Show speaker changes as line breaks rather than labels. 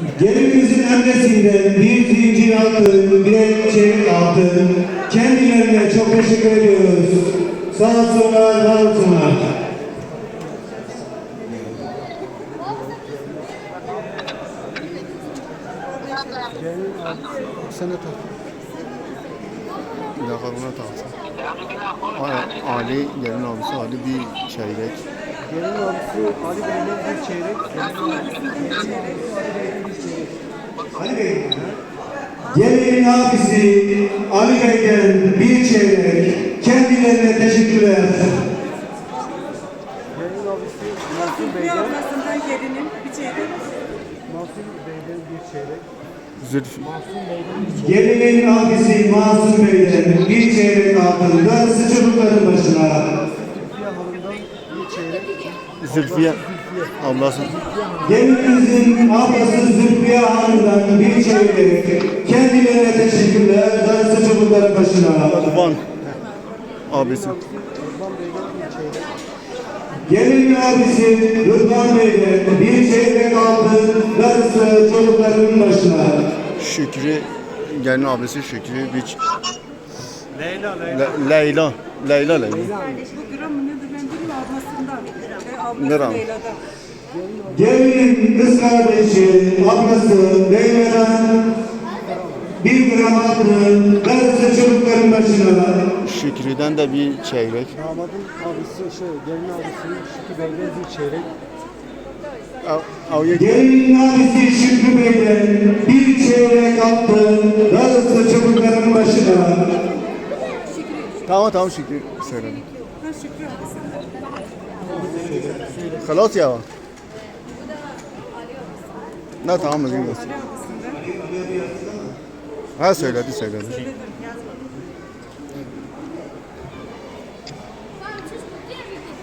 Gelinimizin annesinden bir zincir altın, bir çeyrek altın. Kendilerine çok teşekkür ediyoruz. Sağ olsunlar, var olsunlar.
Sen de tak. Bir dakika buna taksın. Ali, gelin abisi Ali bir çeyrek.
Gelin abisi Ali Bey'den bir çeyrek.
Ali Bey. Gelin abisi Ali Bey'den bir çeyrek. Kendilerine teşekkürler.
Gelin abisi
Mahsun Bey ablasından gelinin bir çeyrek.
Mahsun Bey'den bir çeyrek.
Zülfü.
Mahsun Bey'den bir çeyrek.
Gelinin abisi Mahsun Bey'den bir çeyrek altın. Darısı çocukların başına.
Zülfiye Hanım'dan bir çeyrek.
Zülfiye ablası.
Gelinimizin ablası Zülfiye Hanım'dan bir çeyrek. Kendilerine teşekkürler. Darısı çocukların başına.
Kurban abisi.
Rıdvan Bey'den bir çeyrek.
Gelin abisi Rıdvan Bey'den bir çeyrek altın. Darısı çocukların başına.
Şükrü, gelin abisi Şükrü bir
Leyla.
Leyla. Leyla.
Bu gram mı nedir ben bilmiyorum ablasından. Ablası
Gram.
Leyla'dan.
Gelinin kız kardeşi, ablası Leyla'dan bir gram altın, darısı çocukların başına.
Şükrü'den de bir çeyrek.
Damadın abisi gelin abisi Şükrü Bey'den bir çeyrek.
Gelinin abisi Şükrü Bey'den bir çeyrek altın, darısı çocukların başına.
Tamam Şükrü söyledim.
Ha Şükrü ablasından.
Halas ya. Ne tamam mı?
Ali ablasından.
Ha söyledi.
Söyledim yazmadım.